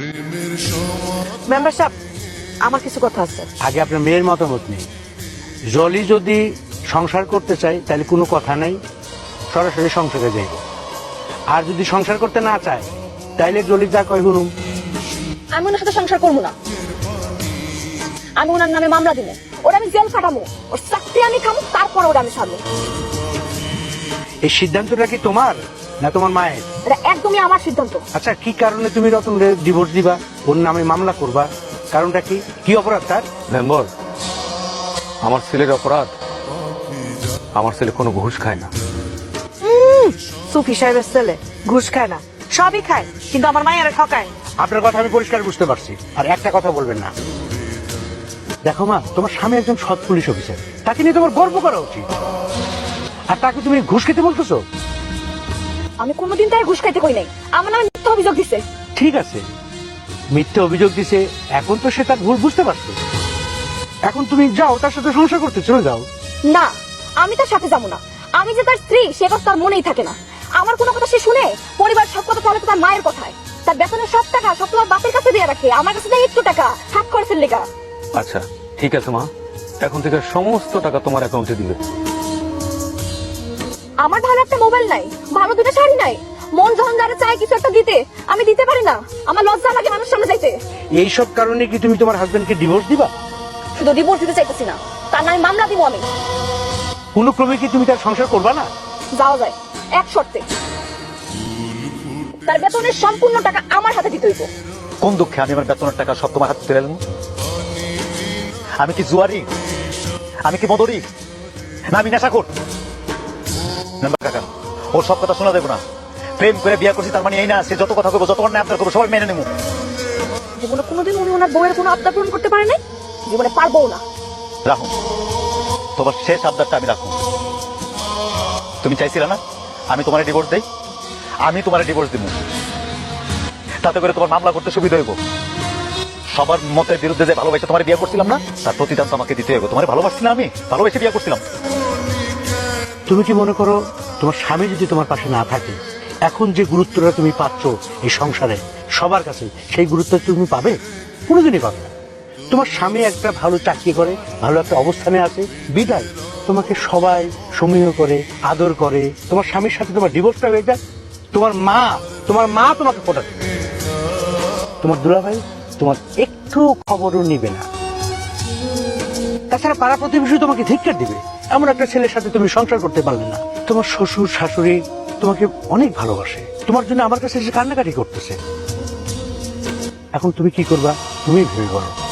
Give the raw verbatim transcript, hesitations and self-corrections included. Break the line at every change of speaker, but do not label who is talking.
Member সাহেব, আমার কিছু কথা আছে।
আগে আপনার মেয়ের মতামত নেই। জলি যদি সংসার করতে চায় তাহলে কোনো কথা নাই, সরাসরি সংসারে যাইব। আর যদি সংসার করতে না চায় তাইলে জলি যা কয় শুনুন।
আমি ওনার সাথে সংসার করবো না। আমি ওনার নামে মামলা দিব, ওরা আমি জেল খাটামো, ওর চাকরি আমি খামো, তারপর ওরা আমি ছাড়বো।
এই সিদ্ধান্তটা কি তোমার না তোমার মায়ের?
এটা একদমই আমার সিদ্ধান্ত।
আচ্ছা, কি কারণে তুমি রতনরে ডিভোর্স দিবা, ওর নামে মামলা করবা? কারণটা কি? কি অপরাধ তার?
মেম্বার, আমার ছেলের অপরাধ, আমার ছেলে কোনো ঘুষ খায় না।
সুফি সাহেবের ছেলে ঘুষ খায় না, সবই খায়, কিন্তু আমার মায়ের ঠকায়।
আপনার কথা আমি পরিষ্কার বুঝতে পারছি, আর একটা কথা বলবেন না। দেখো মা, তোমার স্বামী একজন সৎ পুলিশ অফিসার, তাকে নিয়ে তোমার গর্ব করা উচিত। আর তাকে তুমি ঘুষ খেতে বলতেছো?
আমি কোনোদিন তার ঘুষ খাইতে কই নাই, আমার নামে মিথ্যা অভিযোগ দিছে।
ঠিক আছে, মিথ্যে অভিযোগ দিছে, এখন তো সে তার ভুল বুঝতে পারছে। এখন তুমি যাও, তার সাথে সংসার করতে চলে যাও।
না, আমি তার সাথে যাবো না। আমি যে তার স্ত্রী সে কথা তার মনেই থাকে না। আমার কোনো কথা সে শুনে, পরিবার সব কথা চলে তো তার মায়ের কথায়। তার বেতনের সব টাকা সব তোমার বাপের কাছে দিয়ে রাখে, আমার কাছে দেয় একটু টাকা হাত খরচের লেগা।
আচ্ছা ঠিক আছে মা, এখন থেকে সমস্ত টাকা তোমার অ্যাকাউন্টে দিবে।
আমার ভালো একটা মোবাইল নাই, ভালো দুটো শাড়ি নাই, মন যখন যারা চায় কিছু একটা দিতে, আমি দিতে পারি না। আমার লজ্জা লাগে মানুষ সামনে যাইতে।
এইসব কারণে কি তুমি তোমার হাজবেন্ডকে ডিভোর্স দিবা?
শুধু ডিভোর্স দিতে চাইতেছি না, তার নামে মামলা দিব আমি।
কোনো ক্রমে কি তুমি তার সংসার করবা না?
যাওয়া যায়, এক শর্তে। তার বেতনের সম্পূর্ণ টাকা আমার হাতে দিতে হইব।
কোন দুঃখে আমি আমার বেতনের টাকা সব তোমার হাতে তুলে এলাম? আমি কি জুয়ারি? আমি কি মদরি? না আমি নেশাখোর? মেম্বার কাকা, ওর সব কথা শোনা দেবো না। প্রেম করে বিয়ে করছি তার মানে এই না সে যত কথা করবো, যত অন্যায় আপনার করবো সবাই মেনে নেবো।
জীবনে কোনোদিন উনি ওনার বউয়ের কোনো আবদার পূরণ করতে পারে নাই, জীবনে পারবো না।
রাখুন তোমার শেষ আবদারটা, আমি রাখুন। তুমি চাইছিলে না আমি তোমার ডিভোর্স দেই? আমি তোমার ডিভোর্স দিব, তাতে করে তোমার মামলা করতে সুবিধা হইব। সবার মতের বিরুদ্ধে যে ভালোবাসে তোমার বিয়ে করছিলাম না, তার প্রতিদান তো আমাকে দিতে হইব। তোমার ভালোবাসছি না, আমি ভালোবেসে বিয়ে করছিলাম।
তুমি কি মনে করো তোমার স্বামী যদি তোমার পাশে না থাকে, এখন যে গুরুত্বটা তুমি পাচ্ছ এই সংসারে সবার কাছে, সেই গুরুত্ব তুমি পাবে? কোনোদিনই পাবে না। তোমার স্বামী একটা ভালো চাকরি করে, ভালো একটা অবস্থানে আছে, বিদায় তোমাকে সবাই সমীহ করে, আদর করে। তোমার স্বামীর সাথে তোমার ডিভোর্সটা হয়ে যায়, তোমার মা তোমার মা তোমাকে ফোটা দেবে, তোমার দুলাভাই তোমার একটু খবরও নিবে না। তাছাড়া পাড়া প্রতিবেশী তোমাকে ধিক্কার দিবে, এমন একটা ছেলের সাথে তুমি সংসার করতে পারলে না। তোমার শ্বশুর শাশুড়ি তোমাকে অনেক ভালোবাসে, তোমার জন্য আমার কাছে এসে কান্নাকাটি করতেছে। এখন তুমি কি করবা তুমি ভেবে বলো।